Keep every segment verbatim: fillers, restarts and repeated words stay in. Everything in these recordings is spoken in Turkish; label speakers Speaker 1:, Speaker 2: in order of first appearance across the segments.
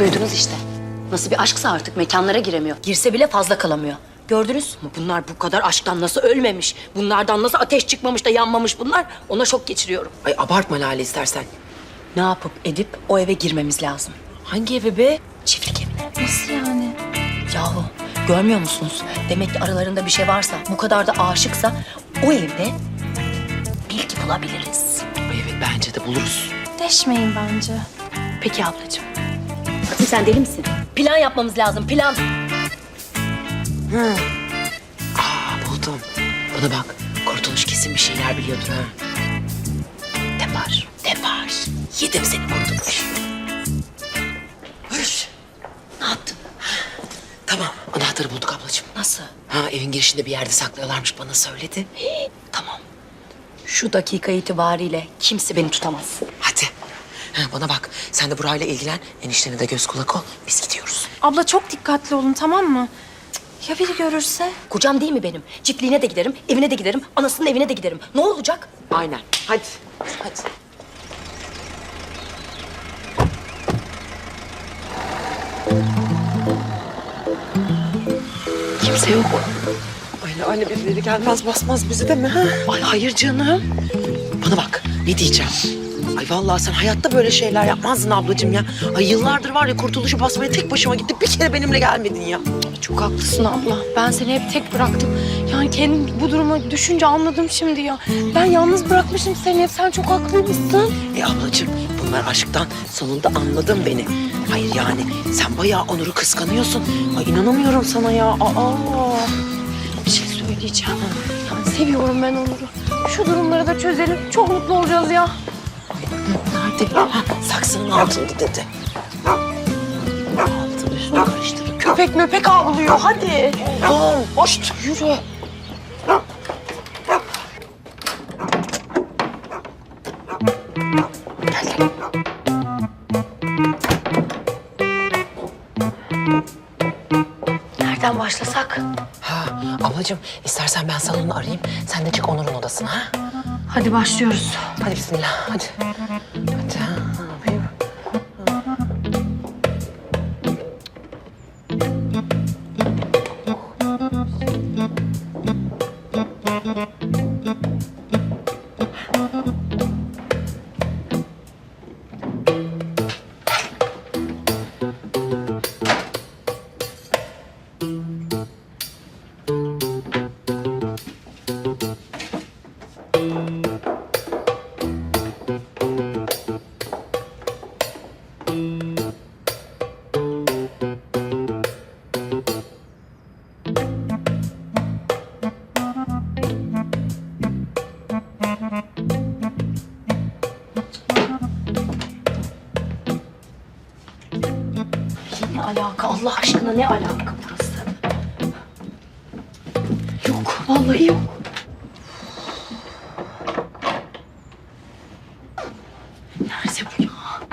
Speaker 1: Duydunuz işte. Nasıl bir aşksa artık mekanlara giremiyor. Girse bile fazla kalamıyor. Gördünüz mü? Bunlar bu kadar aşktan nasıl ölmemiş? Bunlardan nasıl ateş çıkmamış da yanmamış bunlar? Ona şok geçiriyorum.
Speaker 2: Ay abartma Lale istersen.
Speaker 1: Ne yapıp edip o eve girmemiz lazım.
Speaker 2: Hangi eve be?
Speaker 1: Çiftlik evine.
Speaker 3: Nasıl yani?
Speaker 1: Yahu görmüyor musunuz? Demek ki aralarında bir şey varsa, bu kadar da aşıksa o evde bilgi bulabiliriz.
Speaker 2: Ay evet bence de buluruz.
Speaker 3: Deşmeyin bence.
Speaker 1: Peki ablacığım. Fatih sen deli misin? Plan yapmamız lazım, plan.
Speaker 2: Aa buldum. Bana bak. Kurtuluş kesin bir şeyler biliyordur ha.
Speaker 1: Depar, depar. Yedim seni Kurtuluş.
Speaker 2: Hış.
Speaker 1: Ne yaptın?
Speaker 2: Tamam anahtarı bulduk ablacığım.
Speaker 1: Nasıl?
Speaker 2: Ha evin girişinde bir yerde saklıyorlarmış bana söyledi.
Speaker 1: Tamam. Şu dakika itibariyle kimse beni tutamaz.
Speaker 2: Hadi. Ha, bana bak sen de burayla ilgilen. Eniştene de göz kulak ol. Biz gidiyoruz.
Speaker 3: Abla çok dikkatli olun, tamam mı? Cık, ya biri görürse?
Speaker 1: Kocam değil mi benim? Çiftliğine de giderim, evine de giderim, anasının evine de giderim. Ne olacak?
Speaker 2: Aynen. Hadi. Hadi.
Speaker 1: Kimse yok.
Speaker 2: Ay Lale birileri gelmez basmaz bizi de mi ha? Ay hayır canım. Bana bak ne diyeceğim. Ay vallahi sen hayatta böyle şeyler yapmazdın ablacığım ya. Ay yıllardır var ya kurtuluşu basmaya tek başıma gittim. Bir kere benimle gelmedin ya.
Speaker 3: Çok haklısın abla. Ben seni hep tek bıraktım. Yani kendim bu duruma düşünce anladım şimdi ya. Ben yalnız bırakmışım seni hep. Sen çok haklıymışsın.
Speaker 2: E ablacığım bunlar aşktan sonunda anladın beni. Hayır yani sen bayağı Onur'u kıskanıyorsun. Ay inanamıyorum sana ya. Aa.
Speaker 3: Bir şey söyleyeceğim. Yani seviyorum ben Onur'u. Şu durumları da çözelim. Çok mutlu olacağız ya.
Speaker 2: Nerede? Ha, saksının altında dedi. Altını üstünü karıştırın.
Speaker 3: Köpek möpek avlıyor. Hadi.
Speaker 2: Oğlum hoş yürü. Gel gel.
Speaker 1: Nereden başlasak?
Speaker 2: Ha ablacığım istersen ben salonu arayayım. Sen de çık Onur'un odasına ha.
Speaker 1: Hadi başlıyoruz.
Speaker 2: Hadi bismillah hadi. Hadi ha, ne yapayım?
Speaker 1: Ne alaka? Allah aşkına ne alaka burası? Yok, vallahi yok. Nerede bu ya?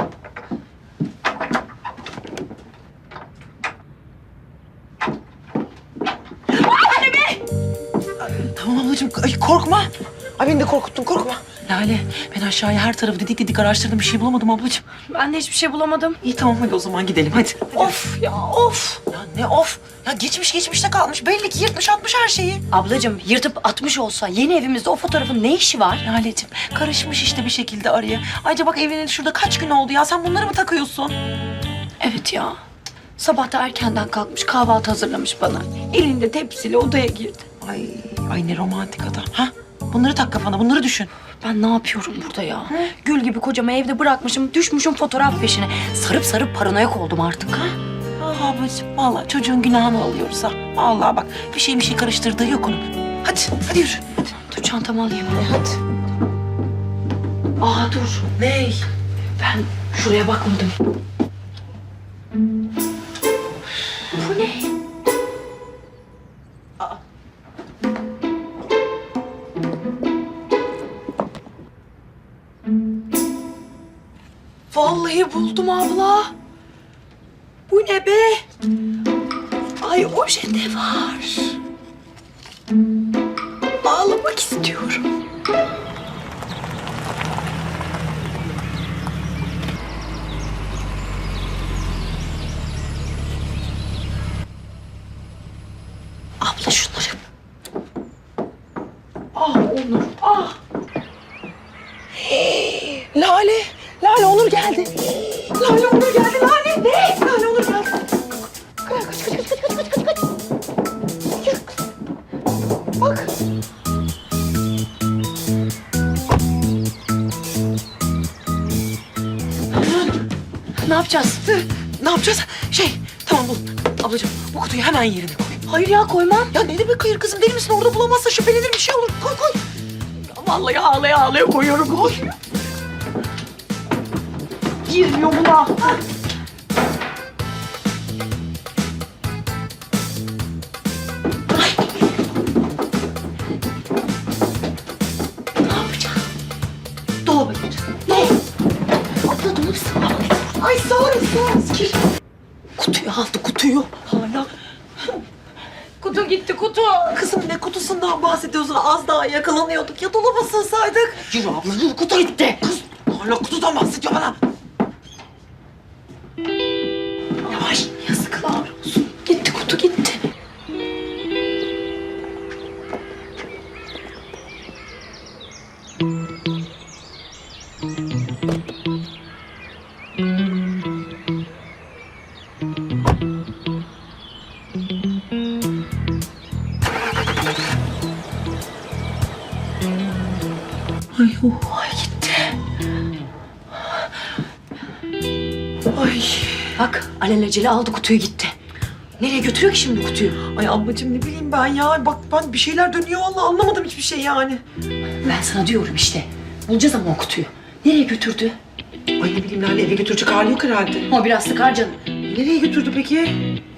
Speaker 2: Tamam ablacığım ay, korkma. Ay beni de korkuttun korkma. Lale ben aşağıya her tarafı didik didik araştırdım bir şey bulamadım ablacığım.
Speaker 3: Ben de hiçbir şey bulamadım.
Speaker 2: İyi tamam hadi o zaman gidelim hadi.
Speaker 3: Of ya of.
Speaker 2: Ya ne of? Ya geçmiş geçmişte kalmış. Belli ki yırtmış atmış her şeyi.
Speaker 1: Ablacığım yırtıp atmış olsa yeni evimizde o fotoğrafın ne işi var?
Speaker 2: Lale'cim karışmış işte bir şekilde araya. Ayrıca bak evleneli şurada kaç gün oldu ya. Sen bunları mı takıyorsun?
Speaker 1: Evet ya. Sabah da erkenden kalkmış kahvaltı hazırlamış bana. Elinde tepsiyle odaya girdi.
Speaker 2: Ay, ay ne romantik adam. Ha? Bunları tak kafana, bunları düşün.
Speaker 1: Ben ne yapıyorum burada ya? Gül gibi kocamı evde bırakmışım, düşmüşüm fotoğraf peşine. Sarıp sarıp paranoyak oldum artık ha.
Speaker 2: Ah ablacığım vallahi çocuğun günahını alıyoruz ha. Vallahi bak bir şey bir şey karıştırdığı yok onun. Hadi, hadi yürü.
Speaker 1: Dur çantamı alayım.
Speaker 2: E, hadi.
Speaker 1: Aa dur.
Speaker 2: Ney?
Speaker 1: Ben şuraya bakmadım. Bu ne?
Speaker 2: Vallahi buldum abla. Bu ne be? Ay ojede var. Ağlamak istiyorum.
Speaker 3: yapacağız?
Speaker 2: Ne yapacağız? Şey, tamam bul. Ablacığım bu kutuyu hemen yerine koy.
Speaker 3: Hayır ya koymam.
Speaker 2: Ya ne demek hayır kızım, deli misin? Orada bulamazsa şüphelenir, bir şey olur. Koy koy. Ya vallahi ağlaya ağlaya koyuyorum. Koy. Girmiyor buna.
Speaker 1: Ne yapacağız?
Speaker 2: Dolaba gireceğiz.
Speaker 1: Ne? Abla dolabı sığmalı.
Speaker 2: Ay sağırız sağırız. Gir.
Speaker 1: Kutuyu aldı kutuyu.
Speaker 2: Hala.
Speaker 3: Kutu gitti kutu.
Speaker 2: Kızım ne kutusundan bahsediyorsun? Az daha yakalanıyorduk. Ya dolaba sığsaydık.
Speaker 1: Yürü abla yürü, kutu gitti.
Speaker 2: Kız hala kutudan bahsediyor bana. Yavaş.
Speaker 1: Yazıklar olsun. Gitti kutu gitti.
Speaker 2: Ay oh.
Speaker 1: Ay gitti.
Speaker 2: Ay.
Speaker 1: Bak alelacele aldı kutuyu gitti. Nereye götürüyor ki şimdi kutuyu?
Speaker 2: Ay ablacığım ne bileyim ben ya. Bak ben bir şeyler dönüyor vallahi, anlamadım hiçbir şey yani.
Speaker 1: Ben sana diyorum işte. Bulacağız ama o kutuyu. Nereye götürdü?
Speaker 2: Ay ne bileyim Lale, eve götürecek hali yok herhalde.
Speaker 1: O biraz sıkar canım.
Speaker 2: Nereye götürdü peki?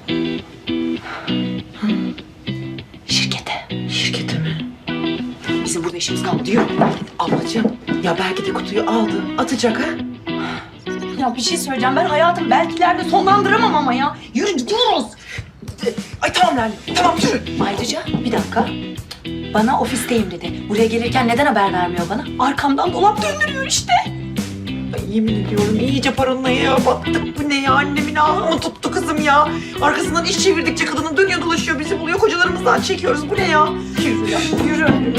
Speaker 1: Şirkete.
Speaker 2: Şirkete mi?
Speaker 1: Bizim burada işimiz kaldı. Yürü.
Speaker 2: Ablacığım ya belki de kutuyu aldı. Atacak ha?
Speaker 3: Ya bir şey söyleyeceğim. Ben hayatım belkilerde sonlandıramam ama ya.
Speaker 1: Yürü gidiyoruz.
Speaker 2: Ay tamam Lale. Tamam yürü.
Speaker 1: Ayrıca bir dakika. Bana ofisteyim dedi. Buraya gelirken neden haber vermiyor bana? Arkamdan dolap döndürüyor işte.
Speaker 2: Ay yemin ediyorum iyice paranoya battık. Bu ne ya, annemin ahını tuttu kızım ya. Arkasından iş çevirdikçe kadının dönüyor dolaşıyor, bizi buluyor, kocalarımızdan çekiyoruz. Bu ne ya? Yürü ya yürü.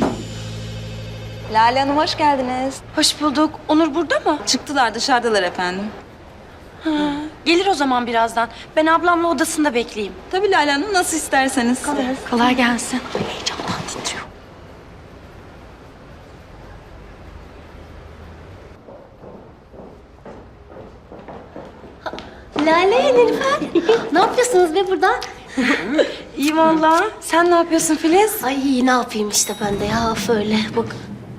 Speaker 4: Lale Hanım hoş geldiniz.
Speaker 3: Hoş bulduk. Onur burada mı?
Speaker 4: Çıktılar dışarıdalar efendim.
Speaker 3: Gelir o zaman birazdan. Ben ablamla odasında bekleyeyim.
Speaker 4: Tabii Lale Hanım nasıl isterseniz.
Speaker 3: Kolay gelsin.
Speaker 1: Heyecandan titriyor.
Speaker 5: Lale, Nilüfer. Ne yapıyorsunuz be burada?
Speaker 3: İyi vallahi. Sen ne yapıyorsun Filiz?
Speaker 5: Ay ne yapayım işte ben de ya öyle bak.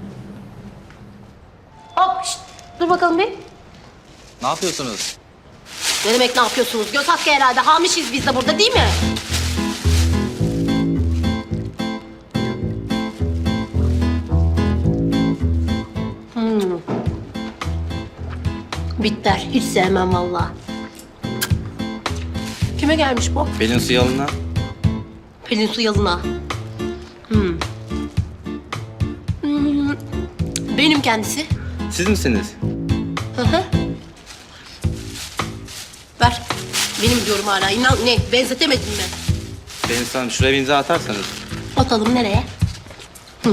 Speaker 5: Hop şşt, dur bakalım bir.
Speaker 6: Ne yapıyorsunuz?
Speaker 5: Ne demek ne yapıyorsunuz? Göz hakkı herhalde. Hamişiz biz de burada değil mi? Hmm. Bitter. Hiç sevmem vallahi. Kime gelmiş bu?
Speaker 6: Pelin su yalına.
Speaker 5: Pelin su yalına. Hmm. Hmm. Benim kendisi.
Speaker 6: Siz misiniz?
Speaker 5: Hı hı. Ver. Benim diyorum hala. İnan ne? Benzetemedin mi?
Speaker 6: Pelin su Hanım şuraya bir imza atarsanız.
Speaker 5: Atalım nereye? Hı.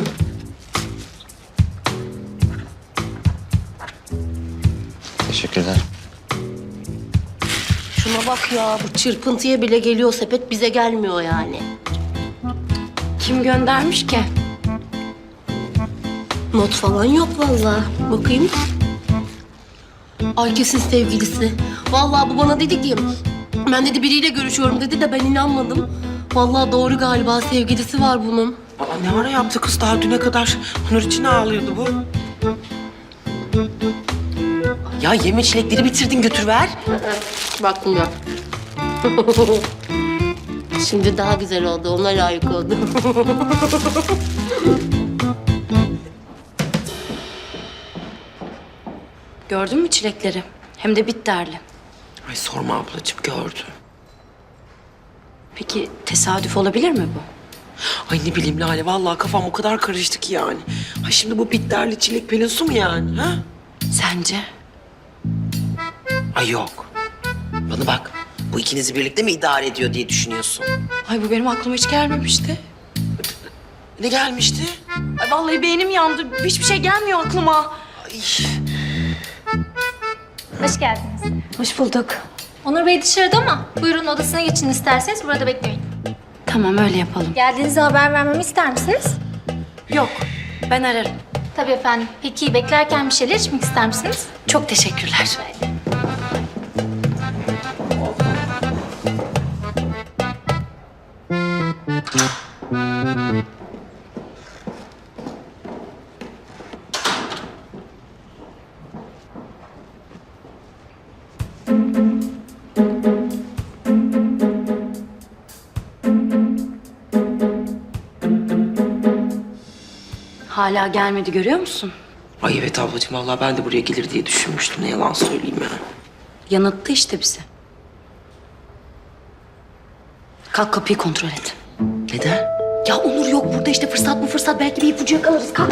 Speaker 6: Teşekkürler.
Speaker 5: Şuna bak ya. Bu çırpıntıya bile geliyor sepet. Bize gelmiyor yani.
Speaker 3: Kim göndermiş ki?
Speaker 5: Not falan yok vallahi. Bakayım. Ay kesin sevgilisi. Vallahi bu bana dedi ki... Ben dedi biriyle görüşüyorum dedi de ben inanmadım. Vallahi doğru galiba, sevgilisi var bunun.
Speaker 2: Aa, ne ara yaptı kız, daha düne kadar Onur için ağlıyordu bu. Ya yeme çilekleri bitirdin, götür ver.
Speaker 5: Baktım ya. Şimdi daha güzel oldu. Ona layık oldu.
Speaker 3: Gördün mü çilekleri? Hem de bitterli.
Speaker 2: Ay sorma ablacığım, gördüm.
Speaker 3: Peki tesadüf olabilir mi bu?
Speaker 2: Ay ne bileyim Lale, vallahi kafam o kadar karıştı ki yani. Ay şimdi bu bitterli çilek Pelin su mu yani ha?
Speaker 3: Sence?
Speaker 2: Ay yok. Bana bak, bu ikinizi birlikte mi idare ediyor diye düşünüyorsun?
Speaker 3: Ay bu benim aklıma hiç gelmemişti.
Speaker 2: Ne gelmişti?
Speaker 3: Ay vallahi beynim yandı. Hiçbir şey gelmiyor aklıma.
Speaker 2: Ay.
Speaker 7: Hoş geldiniz.
Speaker 3: Hoş bulduk.
Speaker 7: Onur Bey dışarıda ama buyurun odasına geçin isterseniz burada bekleyin.
Speaker 3: Tamam öyle yapalım.
Speaker 7: Geldiğinizde haber vermemi ister misiniz?
Speaker 3: Yok ben ararım.
Speaker 7: Tabii efendim. Peki beklerken bir şeyler içmek ister misiniz?
Speaker 3: Çok teşekkürler.
Speaker 1: hala gelmedi görüyor musun?
Speaker 2: Ay evet ablacığım vallahi ben de buraya gelir diye düşünmüştüm. Ne yalan söyleyeyim ya.
Speaker 1: Yanılttı işte bizi. Kalk kapıyı kontrol et.
Speaker 2: Neden?
Speaker 1: Ya Onur yok burada işte fırsat bu fırsat. Belki bir ipucu yakalarız. Kalk.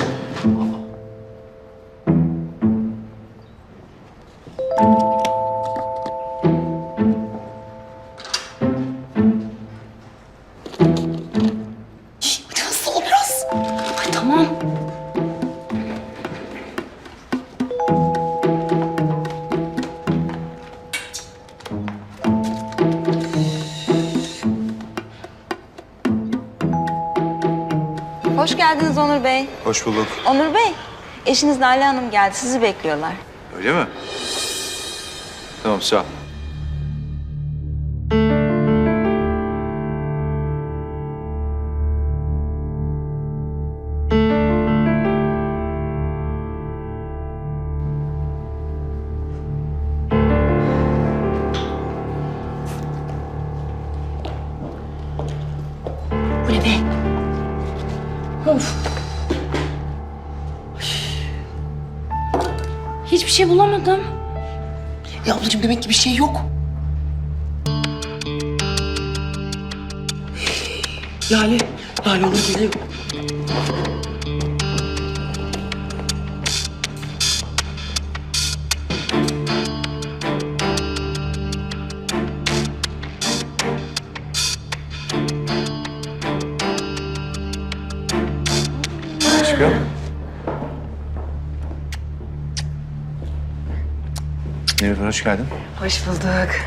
Speaker 1: Şişt, hadi hızlı ol biraz. Ay tamam.
Speaker 4: Hoş geldiniz Onur Bey.
Speaker 8: Hoş bulduk.
Speaker 4: Onur Bey, eşiniz Nalan Hanım geldi. Sizi bekliyorlar.
Speaker 8: Öyle mi? Tamam, sağ ol.
Speaker 1: Bu ne be? Of. Hiçbir şey bulamadım.
Speaker 2: Ya ablacığım demek ki bir şey yok. Lale, Lale onu geliyor.
Speaker 8: Aşkım. Nilüfer hoş geldin.
Speaker 2: Hoş bulduk.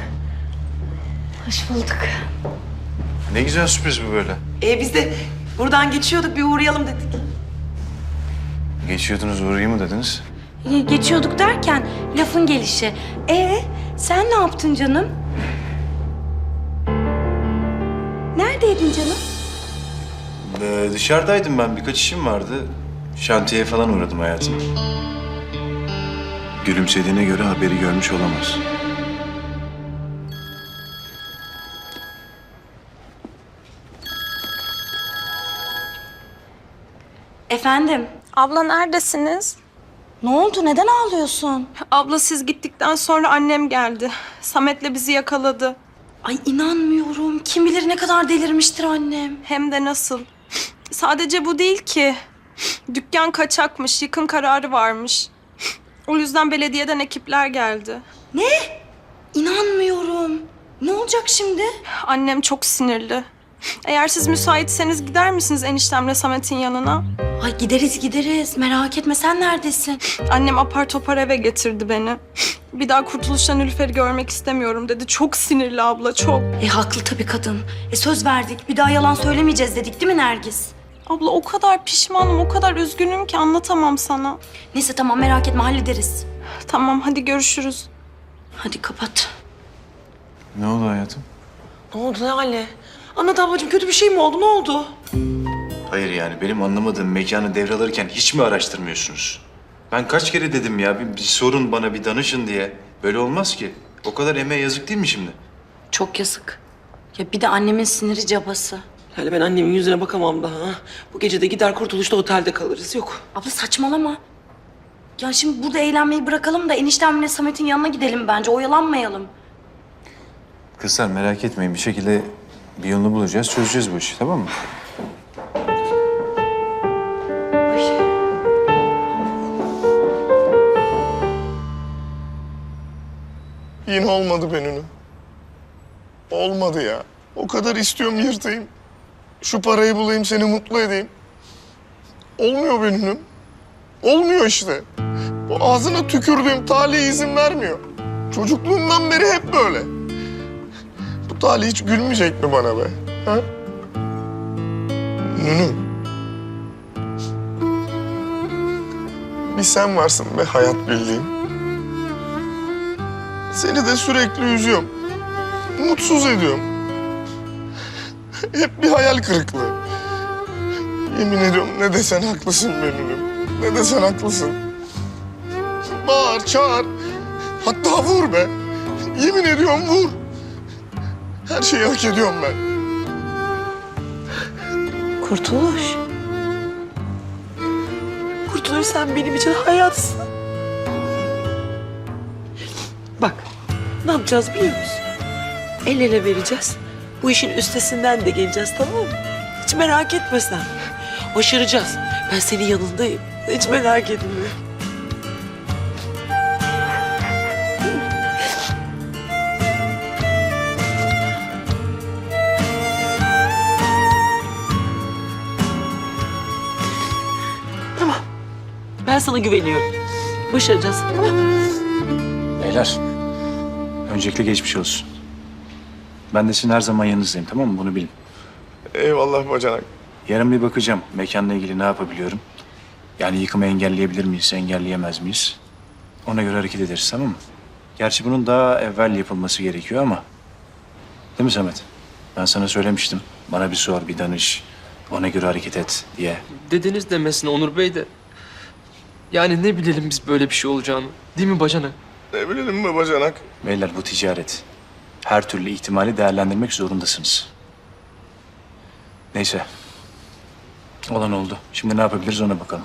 Speaker 1: Hoş bulduk.
Speaker 8: Ne güzel sürpriz bu böyle.
Speaker 2: Ee, biz de buradan geçiyorduk bir uğrayalım dedik.
Speaker 8: Geçiyordunuz uğrayayım mı dediniz?
Speaker 1: Geçiyorduk derken lafın gelişi. Ee, sen ne yaptın canım? Neredeydin canım?
Speaker 8: Ee, dışarıdaydım ben. Birkaç işim vardı. Şantiyeye falan uğradım hayatım. Gülümsediğine göre haberi görmüş olamaz.
Speaker 1: Efendim,
Speaker 3: Abla neredesiniz?
Speaker 1: ne oldu? Neden ağlıyorsun?
Speaker 3: Abla siz gittikten sonra annem geldi. Samet'le bizi yakaladı.
Speaker 1: Ay inanmıyorum. Kim bilir ne kadar delirmiştir annem.
Speaker 3: Hem de nasıl. Sadece bu değil ki. Dükkan kaçakmış, yıkım kararı varmış. O yüzden belediyeden ekipler geldi.
Speaker 1: İnanmıyorum. Ne olacak şimdi?
Speaker 3: Annem çok sinirli. Eğer siz müsaitseniz gider misiniz eniştemle Samet'in yanına?
Speaker 1: Ay gideriz gideriz. Merak etme sen neredesin?
Speaker 3: Annem apar topar eve getirdi beni. Bir daha Kurtuluş'ta Nilüfer'i görmek istemiyorum dedi. Çok sinirli abla, çok.
Speaker 1: E haklı tabii kadın. E söz verdik. Bir daha yalan söylemeyeceğiz dedik değil mi Nergis?
Speaker 3: Abla o kadar pişmanım, o kadar üzgünüm ki anlatamam sana.
Speaker 1: Neyse tamam merak etme hallederiz.
Speaker 3: Tamam, hadi görüşürüz.
Speaker 1: Hadi kapat.
Speaker 8: Ne oldu hayatım?
Speaker 2: Ne oldu Lale? Anlat ablacığım kötü bir şey mi oldu? Ne oldu?
Speaker 8: Hayır yani benim anlamadığım mekanı devralırken hiç mi araştırmıyorsunuz? Ben kaç kere dedim ya bir, bir sorun bana bir danışın diye. Böyle olmaz ki. O kadar emeğe yazık değil mi şimdi?
Speaker 1: Çok yazık. Ya bir de annemin siniri cabası.
Speaker 2: Lale ben annemin yüzüne bakamam daha. ha. Bu gece de gider Kurtuluş'ta otelde kalırız. Yok.
Speaker 1: Abla saçmalama. Ya şimdi burada eğlenmeyi bırakalım da eniştemle Samet'in yanına gidelim bence. Oyalanmayalım.
Speaker 8: Kızlar merak etmeyin bir şekilde bir yolunu bulacağız, çözeceğiz bu işi tamam mı?
Speaker 9: Yine olmadı Bennu. Olmadı ya. O kadar istiyorum yırtayım. Şu parayı bulayım seni mutlu edeyim. Olmuyor Bennu'num. Olmuyor işte. Bu ağzına tükürdüğüm talih izin vermiyor. Çocukluğumdan beri hep böyle. Bu talih hiç gülmeyecek mi bana be? Ha? Nunu. Bir sen varsın be hayat bildiğim. Seni de sürekli üzüyorum. Mutsuz ediyorum. Hep bir hayal kırıklığı. Yemin ediyorum ne desen haklısın Bennu'num. Ne desen haklısın. Bağır, çağır. Hatta vur be. Yemin ediyorum vur. Her şeyi hak ediyorum ben.
Speaker 1: Kurtuluş.
Speaker 2: biliyorsun sen benim için hayatsın. Bak ne yapacağız biliyor musun? El ele vereceğiz. Bu işin üstesinden de geleceğiz tamam mı? Hiç merak etme sen. Başaracağız. Ben senin yanındayım. Hiç merak etme. Tamam. Ben sana güveniyorum. Başaracağız tamam mı?
Speaker 8: Beyler, öncelikle geçmiş olsun. Ben de sizin her zaman yanınızdayım, tamam mı? Bunu bilin.
Speaker 9: Eyvallah bacanak.
Speaker 8: Yarın bir bakacağım mekanla ilgili ne yapabiliyorum. Yani yıkımı engelleyebilir miyiz, engelleyemez miyiz? Ona göre hareket ederiz, tamam mı? Gerçi bunun daha evvel yapılması gerekiyor ama... Değil mi Samet? Ben sana söylemiştim. Bana bir sor, bir danış. Ona göre hareket et diye.
Speaker 10: Dediniz demesine Onur Bey de. Yani ne bilelim biz böyle bir şey olacağını. Değil mi bacanak?
Speaker 9: Ne bilelim mi bacanak?
Speaker 8: Beyler bu ticaret. Her türlü ihtimali değerlendirmek zorundasınız. Neyse. Olan oldu. Şimdi ne yapabiliriz ona bakalım.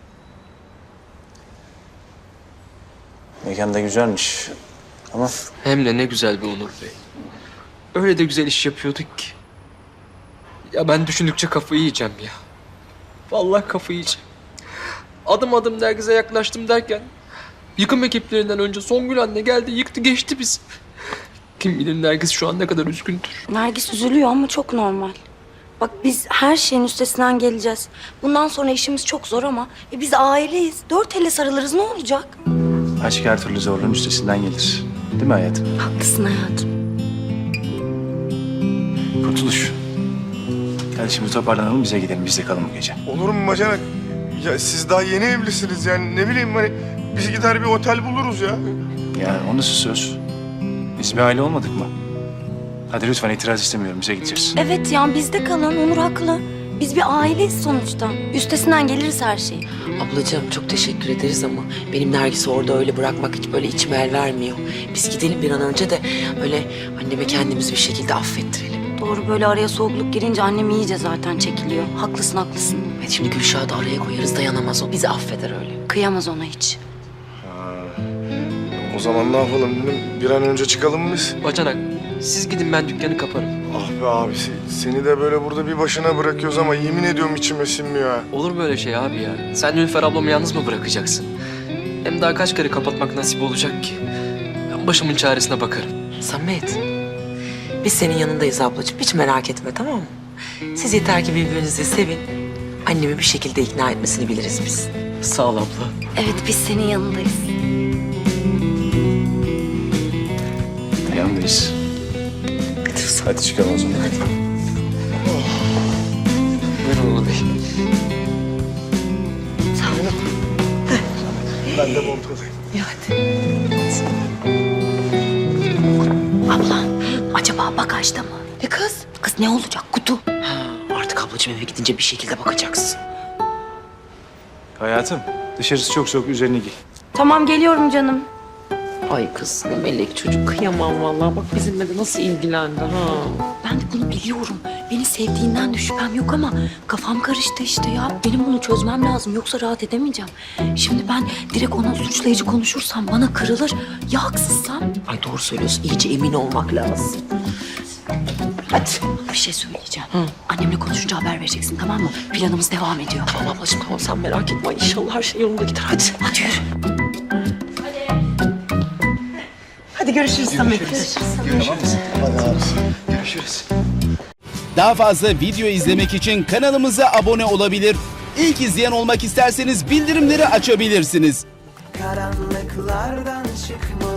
Speaker 8: Mekan da güzelmiş. Ama
Speaker 10: Hem de ne güzel bir Onur Bey. Öyle de güzel iş yapıyorduk ki. Ya ben düşündükçe kafayı yiyeceğim ya. Vallahi kafayı yiyeceğim. Adım adım Nergiz'e yaklaştım derken... Yıkım ekiplerinden önce Songül anne geldi yıktı geçti bizi. Kim bilir Nergiz şu an ne kadar üzgündür.
Speaker 1: Nergis üzülüyor ama çok normal. Bak biz her şeyin üstesinden geleceğiz. Bundan sonra işimiz çok zor ama e, biz aileyiz. Dört elle sarılırız ne olacak?
Speaker 8: aşk her türlü zorluğun üstesinden gelir. Değil mi hayatım?
Speaker 1: Haklısın hayatım.
Speaker 8: Kurtuluş. Hadi şimdi toparlanalım bize gidelim. Biz de kalın bu gece.
Speaker 9: Olur mu bacanak? Ya siz daha yeni evlisiniz yani ne bileyim hani biz gider bir otel buluruz ya.
Speaker 8: Yani o nasıl söz? Biz bir aile olmadık mı? Hadi lütfen itiraz istemiyorum. Bize gideceğiz.
Speaker 1: Evet ya bizde kalan Onur haklı. Biz bir aileyiz sonuçta. Üstesinden geliriz her şeyi.
Speaker 2: Ablacığım çok teşekkür ederiz ama benim Nergis'i orada öyle bırakmak hiç böyle içime el vermiyor. Biz gidelim bir an önce de öyle anneme kendimizi bir şekilde affettirelim.
Speaker 1: Doğru böyle araya soğukluk girince annem iyice zaten çekiliyor. Haklısın haklısın.
Speaker 2: Evet, şimdi Gülşah'ı da araya koyarız dayanamaz o. Bizi affeder öyle.
Speaker 1: Kıyamaz ona hiç.
Speaker 9: O zaman ne yapalım dedim bir an önce çıkalım biz.
Speaker 10: Bacanak siz gidin ben dükkanı kaparım.
Speaker 9: Ah be abi se- seni de böyle burada bir başına bırakıyoruz ama yemin ediyorum içime sinmiyor ha.
Speaker 10: Olur böyle şey abi ya. Sen Nilüfer ablamı yalnız mı bırakacaksın? Hem daha kaç kere kapatmak nasip olacak ki? Ben başımın çaresine bakarım.
Speaker 2: Samet, biz senin yanındayız ablacığım. Hiç merak etme tamam mı? Siz yeter ki birbirinizi sevin. Annemi bir şekilde ikna etmesini biliriz biz.
Speaker 10: Sağ ol abla.
Speaker 1: Evet biz senin yanındayız.
Speaker 8: Yanındayız. Hadi çıkalım o zaman.
Speaker 10: Buyurun Onur Bey.
Speaker 9: Ben de montadayım.
Speaker 1: Abla acaba bagajda mı?
Speaker 2: Ne kız?
Speaker 1: Kız ne olacak kutu?
Speaker 2: Ha, artık ablacığım eve gidince bir şekilde bakacaksın.
Speaker 8: Hayatım dışarısı çok soğuk. Üzerini giy.
Speaker 1: Tamam geliyorum canım.
Speaker 2: Ay kız ne melek çocuk kıyamam vallahi. Bak bizimle de nasıl ilgilendi ha.
Speaker 1: Ben de bunu biliyorum. Beni sevdiğinden de şüphem yok ama kafam karıştı işte ya. Benim bunu çözmem lazım yoksa rahat edemeyeceğim. Şimdi ben direkt ona suçlayıcı konuşursam bana kırılır. Ya haksızsam?
Speaker 2: Ay doğru söylüyorsun. İyice emin olmak lazım.
Speaker 1: Hadi. Bir şey söyleyeceğim. Annemle konuşunca haber vereceksin tamam mı? Planımız devam ediyor.
Speaker 2: Tamam ablacığım tamam sen merak etme. Ay, İnşallah her şey yolunda gider hadi.
Speaker 1: Hadi yürü.
Speaker 2: Hadi görüşürüz Samet.
Speaker 11: Daha fazla video izlemek için kanalımıza abone olabilir. İlk izleyen olmak isterseniz bildirimleri açabilirsiniz.
Speaker 12: Karanlıklardan çıkmalı